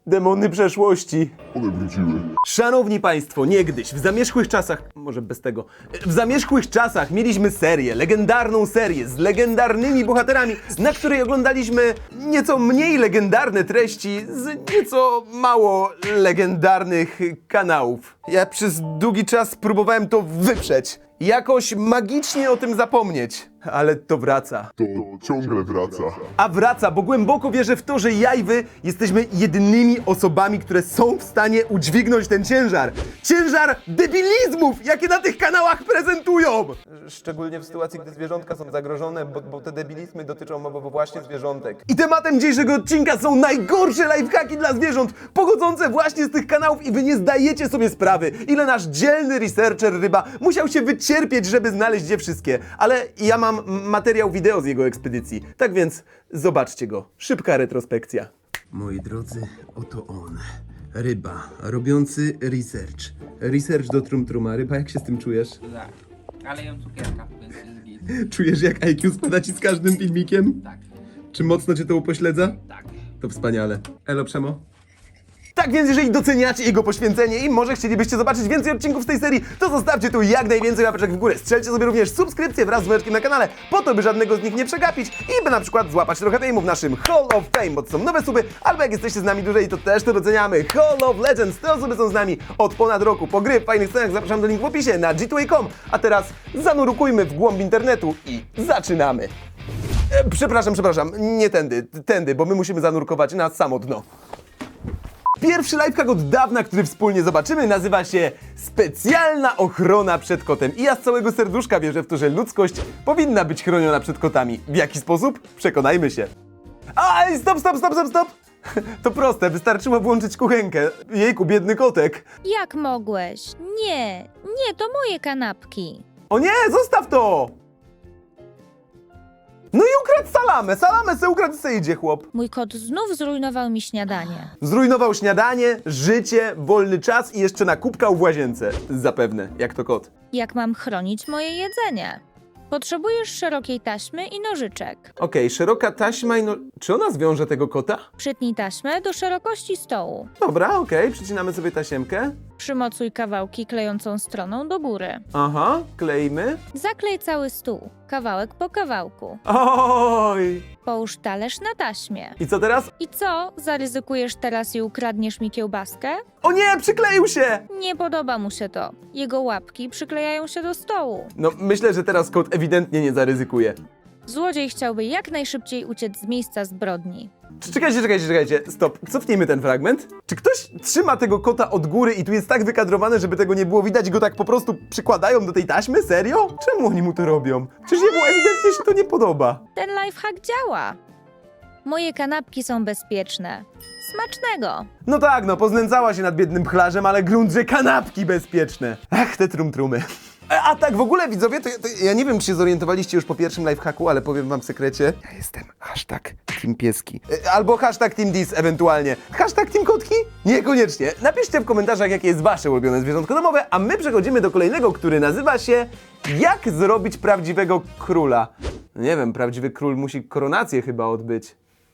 Demony przeszłości. One wróciły. Szanowni Państwo, niegdyś, w zamierzchłych czasach, może bez tego, w zamierzchłych czasach mieliśmy serię, legendarną serię z legendarnymi bohaterami, na której oglądaliśmy nieco mniej legendarne treści z nieco mało legendarnych kanałów. Ja przez długi czas próbowałem to wyprzeć, jakoś magicznie o tym zapomnieć, ale to wraca. To ciągle wraca. A wraca, bo głęboko wierzę w to, że ja i wy jesteśmy jedynymi osobami, które są w stanie udźwignąć ten ciężar. Ciężar debilizmów, jakie na tych kanałach prezentują! Szczególnie w sytuacji, gdy zwierzątka są zagrożone, bo te debilizmy dotyczą właśnie zwierzątek. I tematem dzisiejszego odcinka są najgorsze lifehacki dla zwierząt, pochodzące właśnie z tych kanałów i wy nie zdajecie sobie sprawy, ile nasz dzielny researcher ryba musiał się wycierpieć, żeby znaleźć je wszystkie. Ale ja mam materiał wideo z jego ekspedycji, tak więc zobaczcie go. Szybka retrospekcja. Moi drodzy, oto on. Ryba, robiący research. Research do Trum Truma. Ryba, jak się z tym czujesz? Tak, ale jem cukierka, więc jest git. Czujesz, jak IQ spada ci z każdym filmikiem? Tak, Czy mocno cię to upośledza? tak. To wspaniale. Elo, Przemo? Tak więc jeżeli doceniacie jego poświęcenie i może chcielibyście zobaczyć więcej odcinków z tej serii, to zostawcie tu jak najwięcej łapeczek w górę. Strzelcie sobie również subskrypcję wraz z dzwoneczkiem na kanale, po to by żadnego z nich nie przegapić i by na przykład złapać trochę fejmu w naszym Hall of Fame, bo to są nowe suby, albo jak jesteście z nami dłużej, to też to doceniamy. Hall of Legends, te osoby są z nami od ponad roku. Po gry w fajnych scenach zapraszam do linku w opisie na g2a.com, a teraz zanurkujmy w głąb internetu i zaczynamy. Przepraszam, nie tędy, bo my musimy zanurkować na samo dno. Pierwszy lifehack od dawna, który wspólnie zobaczymy, nazywa się Specjalna ochrona przed kotem. I ja z całego serduszka wierzę w to, że ludzkość powinna być chroniona przed kotami. W jaki sposób? Przekonajmy się. Aj, stop! To proste, wystarczyło włączyć kuchenkę. Jejku, biedny kotek. Jak mogłeś? Nie, to moje kanapki. O nie, zostaw to! No i ukradł salamę se ukradł, se idzie chłop. Mój kot znów zrujnował mi śniadanie. Zrujnował śniadanie, życie, wolny czas i jeszcze nakupkał w łazience. Zapewne, jak to kot. Jak mam chronić moje jedzenie? Potrzebujesz szerokiej taśmy i nożyczek. Okej, szeroka taśma i no... Czy ona zwiąże tego kota? Przytnij taśmę do szerokości stołu. Dobra, okej, przycinamy sobie tasiemkę. Przymocuj kawałki klejącą stroną do góry. Aha, kleimy. Zaklej cały stół, kawałek po kawałku. Oj! Połóż talerz na taśmie. I co teraz? I co, zaryzykujesz teraz i ukradniesz mi kiełbaskę? O nie, przykleił się! Nie podoba mu się to. Jego łapki przyklejają się do stołu. No, myślę, że teraz kot ewidentnie nie zaryzykuje. Złodziej chciałby jak najszybciej uciec z miejsca zbrodni. Czekajcie, stop. Cofnijmy ten fragment. Czy ktoś trzyma tego kota od góry i tu jest tak wykadrowane, żeby tego nie było widać i go tak po prostu przykładają do tej taśmy? Serio? Czemu oni mu to robią? Przecież jemu ewidentnie się to nie podoba. Ten lifehack działa. Moje kanapki są bezpieczne. Smacznego! No tak, no, poznęcała się nad biednym pchlarzem, ale grunt, że kanapki bezpieczne. Ach, te trumtrumy. A tak, w ogóle widzowie, to ja nie wiem, czy się zorientowaliście już po pierwszym lifehacku, ale powiem wam w sekrecie. Ja jestem #Team Pieski. Albo #Team Dis ewentualnie. #Team Kotki? Niekoniecznie. Napiszcie w komentarzach, jakie jest wasze ulubione zwierzątko domowe, a my przechodzimy do kolejnego, który nazywa się Jak zrobić prawdziwego króla. No nie wiem, prawdziwy król musi koronację chyba odbyć.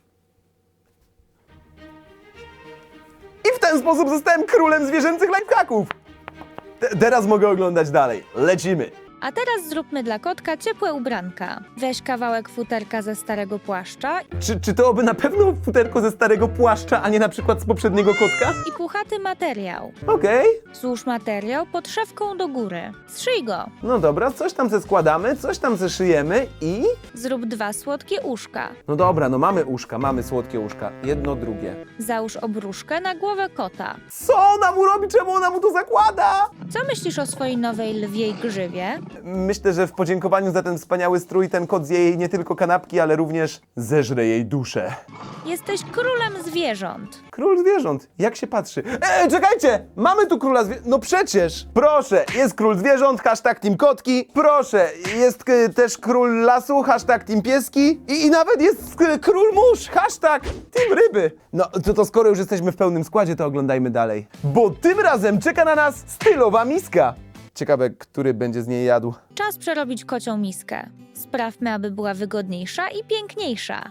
I w ten sposób zostałem królem zwierzęcych lifehacków. Teraz mogę oglądać dalej. Lecimy. A teraz zróbmy dla kotka ciepłe ubranka. Weź kawałek futerka ze starego płaszcza Czy to by na pewno futerko ze starego płaszcza, a nie na przykład z poprzedniego kotka? i puchaty materiał. Okej. Złóż materiał pod szewką do góry. Zszyj go. No dobra, coś tam ze składamy, coś tam ze szyjemy i... Zrób 2 słodkie uszka. No dobra, no mamy uszka, mamy słodkie uszka. Jedno, drugie. Załóż obruszkę na głowę kota. Co ona mu robi? Czemu ona mu to zakłada? Co myślisz o swojej nowej lwiej grzywie? Myślę, że w podziękowaniu za ten wspaniały strój ten kot zje jej nie tylko kanapki, ale również zeżre jej duszę. Jesteś królem zwierząt. Król zwierząt. Jak się patrzy? Czekajcie! Mamy tu króla zwierząt. No przecież! Proszę, jest król zwierząt, #Team Kotki. Proszę, jest też król lasu, #Team Pieski. I nawet jest król mórz, #Team Ryby. No to skoro już jesteśmy w pełnym składzie, to oglądajmy dalej. Bo tym razem czeka na nas stylowa miska. Ciekawe, który będzie z niej jadł. Czas przerobić kocią miskę. Sprawmy, aby była wygodniejsza i piękniejsza.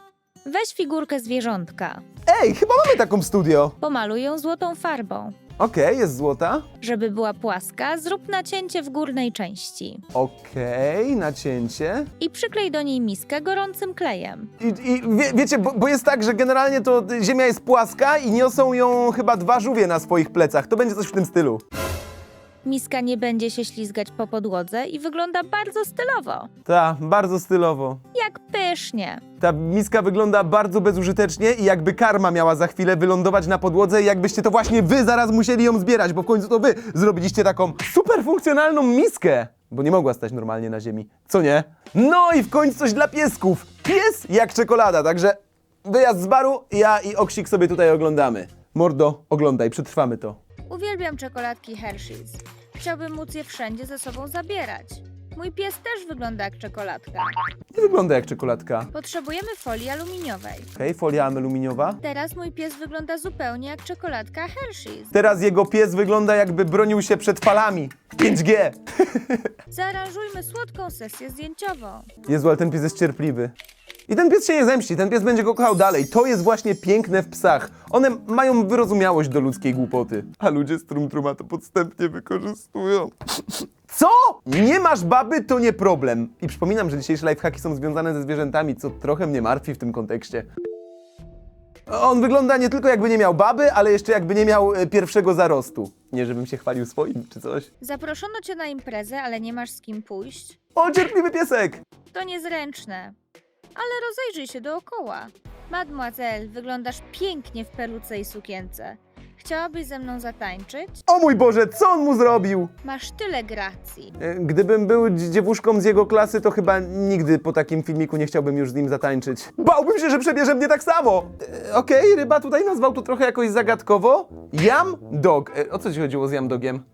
Weź figurkę zwierzątka. Ej, chyba mamy taką w studio. Pomaluj ją złotą farbą. Okej, jest złota. Żeby była płaska, zrób nacięcie w górnej części. Okej, nacięcie. I przyklej do niej miskę gorącym klejem. Wiecie, bo jest tak, że generalnie to ziemia jest płaska i niosą ją chyba 2 żółwie na swoich plecach. To będzie coś w tym stylu. Miska nie będzie się ślizgać po podłodze i wygląda bardzo stylowo. Ta, bardzo stylowo. Jak pysznie. Ta miska wygląda bardzo bezużytecznie i jakby karma miała za chwilę wylądować na podłodze i jakbyście to właśnie wy zaraz musieli ją zbierać, bo w końcu to wy zrobiliście taką super funkcjonalną miskę. Bo nie mogła stać normalnie na ziemi, co nie? No i w końcu coś dla piesków. Pies jak czekolada, także wyjazd z baru, ja i Oksik sobie tutaj oglądamy. Mordo, oglądaj, przetrwamy to. Uwielbiam czekoladki Hershey's. Chciałbym móc je wszędzie ze sobą zabierać. Mój pies też wygląda jak czekoladka. Nie wygląda jak czekoladka. Potrzebujemy folii aluminiowej. Okej, folia aluminiowa. Teraz mój pies wygląda zupełnie jak czekoladka Hershey's. Teraz jego pies wygląda jakby bronił się przed falami. 5G. Zaaranżujmy słodką sesję zdjęciową. Jezu, ale ten pies jest cierpliwy. I ten pies się nie zemści, ten pies będzie go kochał dalej. To jest właśnie piękne w psach. One mają wyrozumiałość do ludzkiej głupoty. A ludzie z Trumtruma to podstępnie wykorzystują. Co? Nie masz baby, to nie problem. I przypominam, że dzisiejsze lifehacki są związane ze zwierzętami, co trochę mnie martwi w tym kontekście. On wygląda nie tylko jakby nie miał baby, ale jeszcze jakby nie miał pierwszego zarostu. Nie, żebym się chwalił swoim czy coś. Zaproszono cię na imprezę, ale nie masz z kim pójść? O, cierpliwy piesek! To niezręczne. Ale rozejrzyj się dookoła. Mademoiselle, wyglądasz pięknie w peruce i sukience. Chciałabyś ze mną zatańczyć? O mój Boże, co on mu zrobił? Masz tyle gracji. Gdybym był dziewuszką z jego klasy, to chyba nigdy po takim filmiku nie chciałbym już z nim zatańczyć. Bałbym się, że przebierze mnie tak samo. Okej, Ryba tutaj nazwał to trochę jakoś zagadkowo. Yam Dog. O co ci chodziło z Yam Dogiem?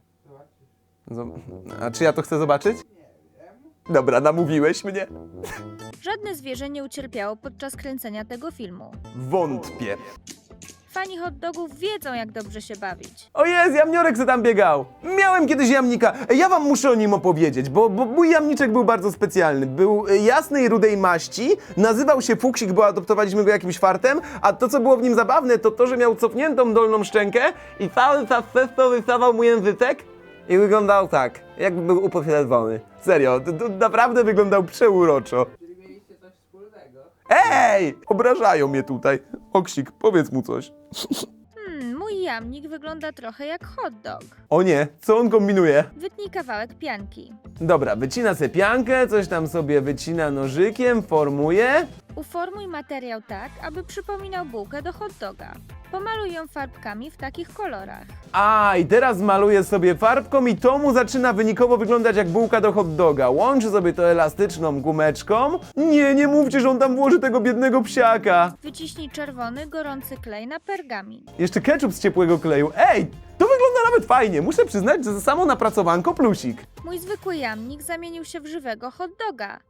A czy ja to chcę zobaczyć? Dobra, namówiłeś mnie. Żadne zwierzę nie ucierpiało podczas kręcenia tego filmu. Wątpię. Fani hot dogów wiedzą, jak dobrze się bawić. O jest, jamniorek se tam biegał. Miałem kiedyś jamnika. Ja wam muszę o nim opowiedzieć, bo mój jamniczek był bardzo specjalny. Był jasnej, rudej maści, nazywał się Fuksik, bo adoptowaliśmy go jakimś fartem, a to, co było w nim zabawne, to to, że miał cofniętą dolną szczękę i cały czas przez to wystawał mu języczek i wyglądał tak, jakby był upośledzony. Serio, to naprawdę wyglądał przeuroczo. Czyli mieliście coś wspólnego? Ej! Obrażają mnie tutaj. Oksik, powiedz mu coś. Mój jamnik wygląda trochę jak hot dog. O nie, co on kombinuje? Wytnij kawałek pianki. Dobra, wycina se piankę, coś tam sobie wycina nożykiem, formuje. Uformuj materiał tak, aby przypominał bułkę do hot doga. Pomaluj ją farbkami w takich kolorach. A, i teraz maluje sobie farbką i to mu zaczyna wynikowo wyglądać jak bułka do hot doga. Łączy sobie to elastyczną gumeczką. Nie mówcie, że on tam włoży tego biednego psiaka. Wyciśnij czerwony, gorący klej na pergamin. Jeszcze ketchup z ciepłego kleju. Ej, to wygląda nawet fajnie. Muszę przyznać, że za samo napracowanko plusik. Mój zwykły jamnik zamienił się w żywego hot doga.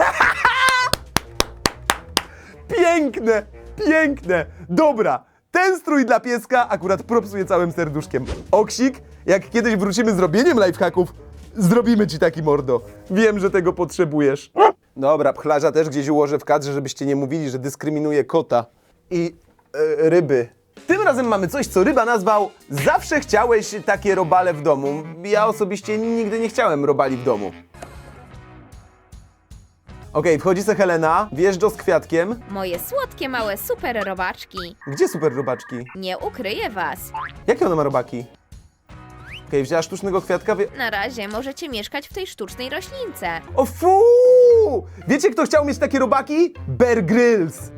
Piękne, piękne. Dobra, ten strój dla pieska akurat propsuje całym serduszkiem. Oksik, jak kiedyś wrócimy z robieniem lifehacków, zrobimy ci taki mordo. Wiem, że tego potrzebujesz. Dobra, pchlarza też gdzieś ułożę w kadrze, żebyście nie mówili, że dyskryminuje kota i ryby. Tym razem mamy coś, co Ryba nazwał zawsze chciałeś takie robale w domu. Ja osobiście nigdy nie chciałem robali w domu. Okej, wchodzi se Helena, wjeżdża z kwiatkiem. Moje słodkie, małe super robaczki. Gdzie super robaczki? Nie ukryję was. Jakie ona ma robaki? Okej, wzięła sztucznego kwiatka, Na razie możecie mieszkać w tej sztucznej roślince. O fu! Wiecie, kto chciał mieć takie robaki? Bear Grylls.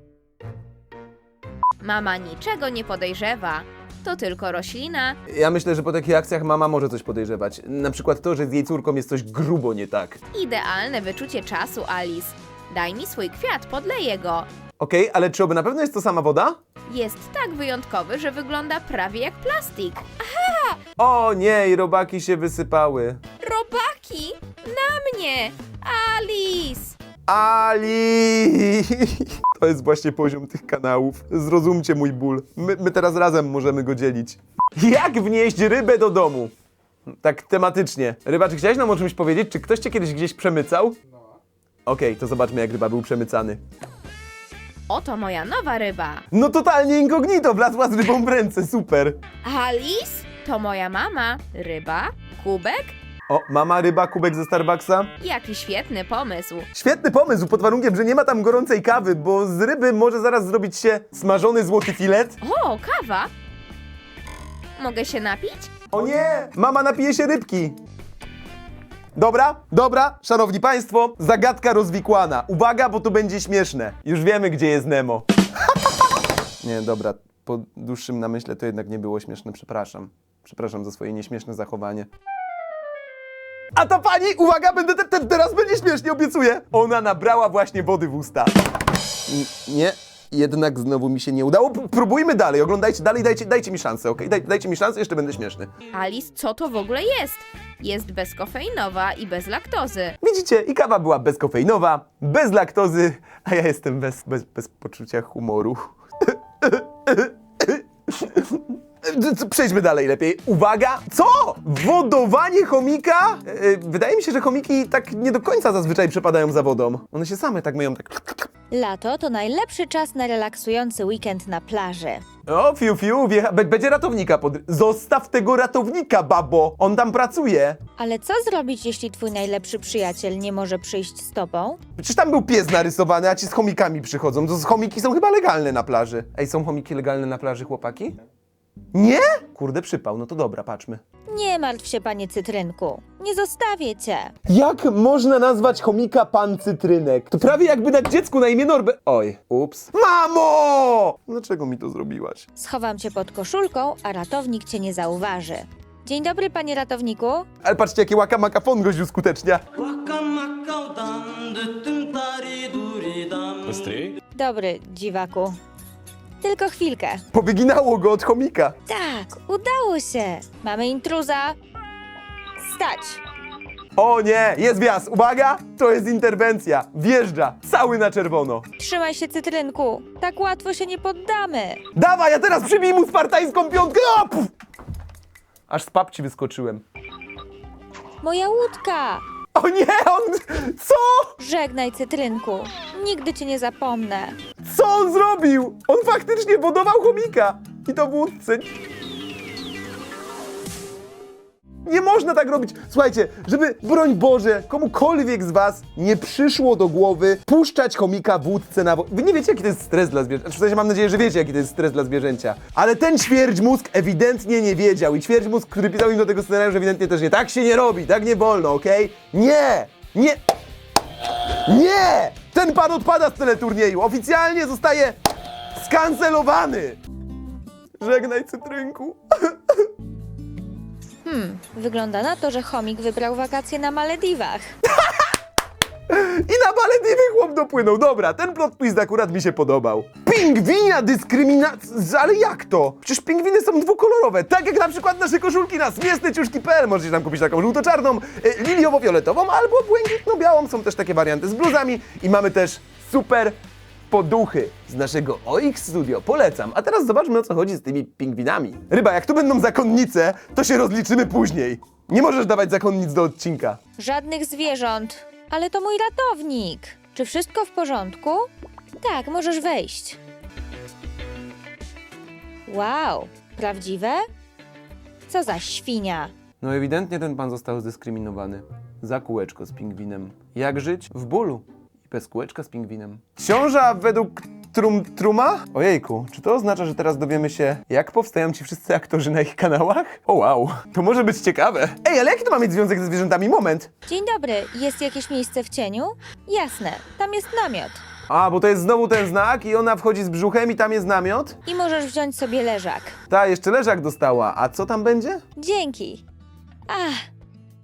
Mama niczego nie podejrzewa. To tylko roślina. Ja myślę, że po takich akcjach mama może coś podejrzewać. Na przykład to, że z jej córką jest coś grubo nie tak. Idealne wyczucie czasu, Alice. Daj mi swój kwiat, podleję go. Okej, ale czy oby na pewno jest to sama woda? Jest tak wyjątkowy, że wygląda prawie jak plastik. O nie, i robaki się wysypały. Robaki! Na mnie! Alice! Ali! To jest właśnie poziom tych kanałów. Zrozumcie mój ból. My teraz razem możemy go dzielić. Jak wnieść rybę do domu? Tak tematycznie. Ryba, czy chciałeś nam o czymś powiedzieć? Czy ktoś cię kiedyś gdzieś przemycał? Okej, to zobaczmy, jak ryba był przemycany. Oto moja nowa ryba. No totalnie incognito, wlazła z rybą w ręce, super. Alice? To moja mama. Ryba? Kubek? O, mama ryba, kubek ze Starbucksa. Jaki świetny pomysł. Świetny pomysł, pod warunkiem, że nie ma tam gorącej kawy, bo z ryby może zaraz zrobić się smażony złoty filet. O, kawa? Mogę się napić? O nie! Mama napije się rybki. Dobra, szanowni państwo, zagadka rozwikłana. Uwaga, bo to będzie śmieszne. Już wiemy, gdzie jest Nemo. Nie, dobra, po dłuższym namyśle to jednak nie było śmieszne, przepraszam. Przepraszam za swoje nieśmieszne zachowanie. A ta pani, uwaga, teraz będzie śmiesznie, obiecuję. Ona nabrała właśnie wody w usta. Nie, jednak znowu mi się nie udało. Próbujmy dalej, oglądajcie dalej, dajcie mi szansę, okej? Dajcie mi szansę, jeszcze będę śmieszny. Alice, co to w ogóle jest? Jest bezkofeinowa i bez laktozy. Widzicie, i kawa była bezkofeinowa, bez laktozy, a ja jestem bez poczucia humoru. Przejdźmy dalej lepiej. Uwaga! Co? Wodowanie chomika? Wydaje mi się, że chomiki tak nie do końca zazwyczaj przepadają za wodą. One się same tak myją, tak... Lato to najlepszy czas na relaksujący weekend na plaży. O, fiu, będzie ratownika Zostaw tego ratownika, babo! On tam pracuje. Ale co zrobić, jeśli twój najlepszy przyjaciel nie może przyjść z tobą? Przecież tam był pies narysowany, a ci z chomikami przychodzą. To chomiki są chyba legalne na plaży. Ej, są chomiki legalne na plaży, chłopaki? Nie? Kurde, przypał. No to dobra, patrzmy. Nie martw się, panie Cytrynku. Nie zostawię cię. Jak można nazwać chomika pan Cytrynek? To prawie jakby dać dziecku na imię Norbert. Oj, ups. Mamo! Dlaczego mi to zrobiłaś? Schowam cię pod koszulką, a ratownik cię nie zauważy. Dzień dobry, panie ratowniku. Ale patrzcie, jakie łaka makafon gość uskutecznia. Dobry, dziwaku. Tylko chwilkę. Powyginało go od chomika. Tak, udało się. Mamy intruza. Stać. O nie, jest wjazd. Uwaga, to jest interwencja. Wjeżdża, cały na czerwono. Trzymaj się, Cytrynku. Tak łatwo się nie poddamy. Dawaj, ja teraz przybij mu spartańską piątkę. O, puf! Aż z papci wyskoczyłem. Moja łódka. O nie, on... Co? Żegnaj, Cytrynku. Nigdy cię nie zapomnę. Co on zrobił? On faktycznie wodował chomika. I to w łódce. Nie można tak robić. Słuchajcie, żeby, broń Boże, komukolwiek z was nie przyszło do głowy puszczać chomika w łódce na wodę. Wy nie wiecie, jaki to jest stres dla zwierzęcia. W sensie mam nadzieję, że wiecie, jaki to jest stres dla zwierzęcia. Ale ten ćwierćmózg ewidentnie nie wiedział. I ćwierćmózg, który pisał im do tego scenariusza, ewidentnie też nie. Tak się nie robi, tak nie wolno, okej? Nie! Nie! Nie! Ten pan odpada z teleturnieju. Oficjalnie zostaje skancelowany. Żegnaj, Cytrynku. Wygląda na to, że chomik wybrał wakacje na Malediwach. I na Malediwy chłop dopłynął. Dobra, ten plot twist akurat mi się podobał. Pingwinia dyskryminacja... Ale jak to? Przecież pingwiny są dwukolorowe. Tak jak na przykład nasze koszulki na smiesneciuszki.pl. Możecie tam kupić taką żółto-czarną, liliowo-fioletową albo błękitno-białą. Są też takie warianty z bluzami. I mamy też super poduchy z naszego OX Studio. Polecam. A teraz zobaczmy, o co chodzi z tymi pingwinami. Ryba, jak tu będą zakonnice, to się rozliczymy później. Nie możesz dawać zakonnic do odcinka. Żadnych zwierząt. Ale to mój ratownik. Czy wszystko w porządku? Tak, możesz wejść. Wow, prawdziwe? Co za świnia. No ewidentnie ten pan został zdyskryminowany. Za kółeczko z pingwinem. Jak żyć? W bólu. I bez kółeczka z pingwinem. Książa według Truma? Ojejku, czy to oznacza, że teraz dowiemy się, jak powstają ci wszyscy aktorzy na ich kanałach? O wow, to może być ciekawe. Ej, ale jaki to ma mieć związek ze zwierzętami? Moment. Dzień dobry, jest jakieś miejsce w cieniu? Jasne, tam jest namiot. A, bo to jest znowu ten znak i ona wchodzi z brzuchem i tam jest namiot? I możesz wziąć sobie leżak. Ta, jeszcze leżak dostała. A co tam będzie? Dzięki. Ach,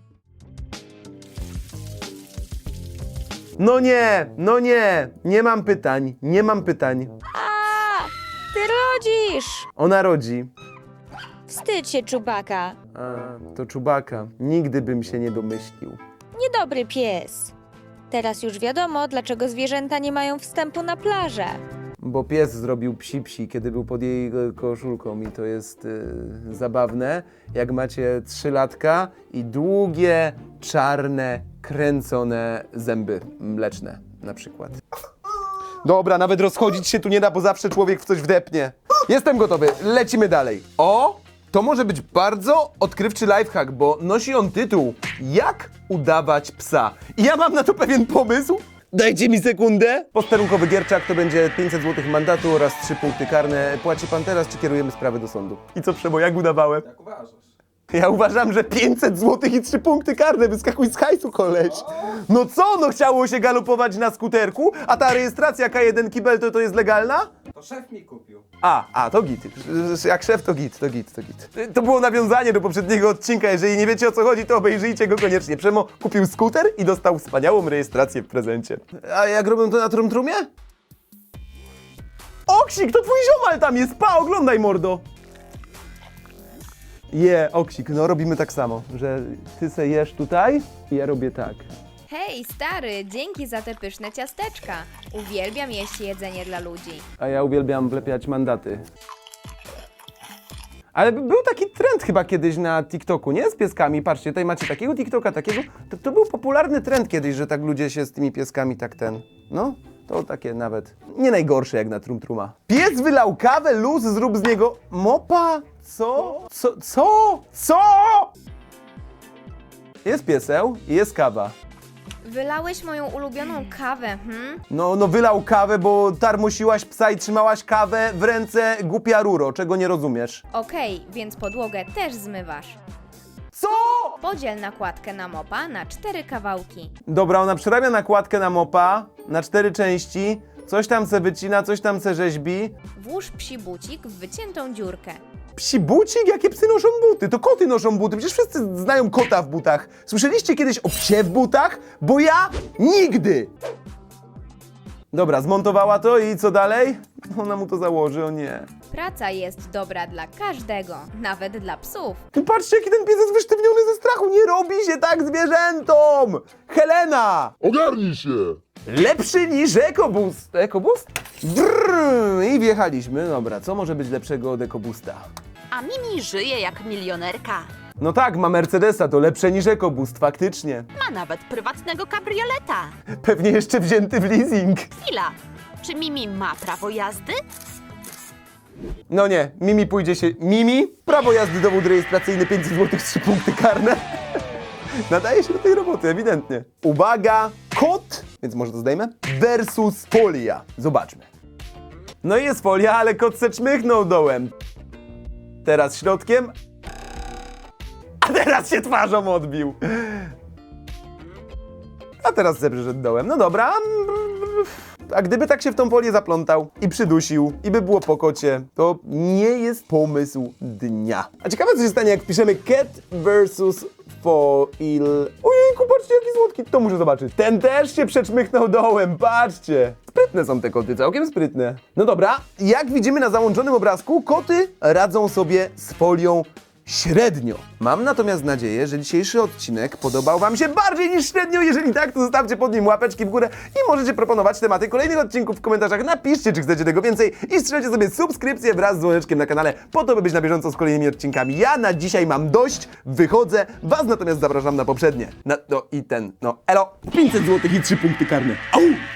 No nie mam pytań, nie mam pytań. ty rodzisz! Ona rodzi. Wstydź się, czubaka. A, to Czubaka. Nigdy bym się nie domyślił. Niedobry pies. Teraz już wiadomo, dlaczego zwierzęta nie mają wstępu na plażę. Bo pies zrobił psi, kiedy był pod jej koszulką i to jest zabawne, jak macie 3-latka i długie, czarne, kręcone zęby mleczne na przykład. Dobra, nawet rozchodzić się tu nie da, bo zawsze człowiek w coś wdepnie. Jestem gotowy, lecimy dalej. O, to może być bardzo odkrywczy lifehack, bo nosi on tytuł Jak udawać psa. I ja mam na to pewien pomysł. Dajcie mi sekundę. Posterunkowy Gierczak to będzie 500 zł mandatu oraz 3 punkty karne. Płaci pan teraz, czy kierujemy sprawę do sądu? I co, Przemo, jak udawałem? Jak uważasz? Ja uważam, że 500 zł i 3 punkty karne, wyskakuj z hajsu, koleś. No co, no chciało się galopować na skuterku, a ta rejestracja K1 Kibel to jest legalna? To szef mi kupił. To git. Jak szef to git. To było nawiązanie do poprzedniego odcinka, jeżeli nie wiecie o co chodzi, to obejrzyjcie go koniecznie. Przemo kupił skuter i dostał wspaniałą rejestrację w prezencie. A jak robią to na Trumtrumie? Oksik, to twój ziomal tam jest, oglądaj, mordo. Oksik, no robimy tak samo, że ty se jesz tutaj i ja robię tak. Hej, stary, dzięki za te pyszne ciasteczka. Uwielbiam jeść jedzenie dla ludzi. A ja uwielbiam wlepiać mandaty. Ale był taki trend chyba kiedyś na TikToku, nie? Z pieskami. Patrzcie, tutaj macie takiego TikToka, takiego. To był popularny trend kiedyś, że tak ludzie się z tymi pieskami No, to takie nawet nie najgorsze jak na Trumtruma. Pies wylał kawę, luz, zrób z niego mopa. Co? Jest pieseł i jest kawa. Wylałeś moją ulubioną kawę, No wylał kawę, bo tarmosiłaś psa i trzymałaś kawę w ręce, głupia ruro, czego nie rozumiesz. Okej, więc podłogę też zmywasz. Co? Podziel nakładkę na mopa na 4 kawałki. Dobra, ona przerabia nakładkę na mopa na 4 części, coś tam se wycina, coś tam se rzeźbi. Włóż psi bucik w wyciętą dziurkę. Psi bucik? Jakie psy noszą buty? To koty noszą buty, przecież wszyscy znają kota w butach. Słyszeliście kiedyś o psie w butach? Bo ja nigdy! Dobra, zmontowała to i co dalej? Ona mu to założy, o nie. Praca jest dobra dla każdego, nawet dla psów. Ty patrzcie, jaki ten pies jest wysztywniony ze strachu, nie robi się tak zwierzętom! Helena! Ogarnij się! Lepszy niż EcoBoost. EcoBoost? Brrr, i wjechaliśmy. Dobra, co może być lepszego od EcoBoosta? A Mimi żyje jak milionerka. No tak, ma Mercedesa, to lepsze niż EcoBoost, faktycznie. Ma nawet prywatnego kabrioleta. Pewnie jeszcze wzięty w leasing. Chwila, czy Mimi ma prawo jazdy? No nie, Mimi pójdzie się... Mimi? Prawo jazdy, dowód rejestracyjny, 500 zł, 3 punkty karne. Nadaje się do tej roboty, ewidentnie. Uwaga, kot, więc może to zdejmę, versus folia. Zobaczmy. No i jest folia, ale kot se czmychnął dołem. Teraz środkiem. A teraz się twarzą odbił. A teraz se przyszedł dołem. No dobra. A gdyby tak się w tą folię zaplątał i przydusił i by było po kocie, to nie jest pomysł dnia. A ciekawe co się stanie jak wpiszemy cat versus foil. Ojejku, patrzcie jaki słodki, to muszę zobaczyć. Ten też się przeczmychnął dołem, patrzcie. Sprytne są te koty, całkiem sprytne. No dobra, jak widzimy na załączonym obrazku, koty radzą sobie z folią średnio. Mam natomiast nadzieję, że dzisiejszy odcinek podobał wam się bardziej niż średnio. Jeżeli tak, to zostawcie pod nim łapeczki w górę i możecie proponować tematy kolejnych odcinków w komentarzach. Napiszcie, czy chcecie tego więcej i strzelcie sobie subskrypcję wraz z dzwoneczkiem na kanale, po to, by być na bieżąco z kolejnymi odcinkami. Ja na dzisiaj mam dość, wychodzę, was natomiast zapraszam na poprzednie. Elo, 500 zł i 3 punkty karne. Au!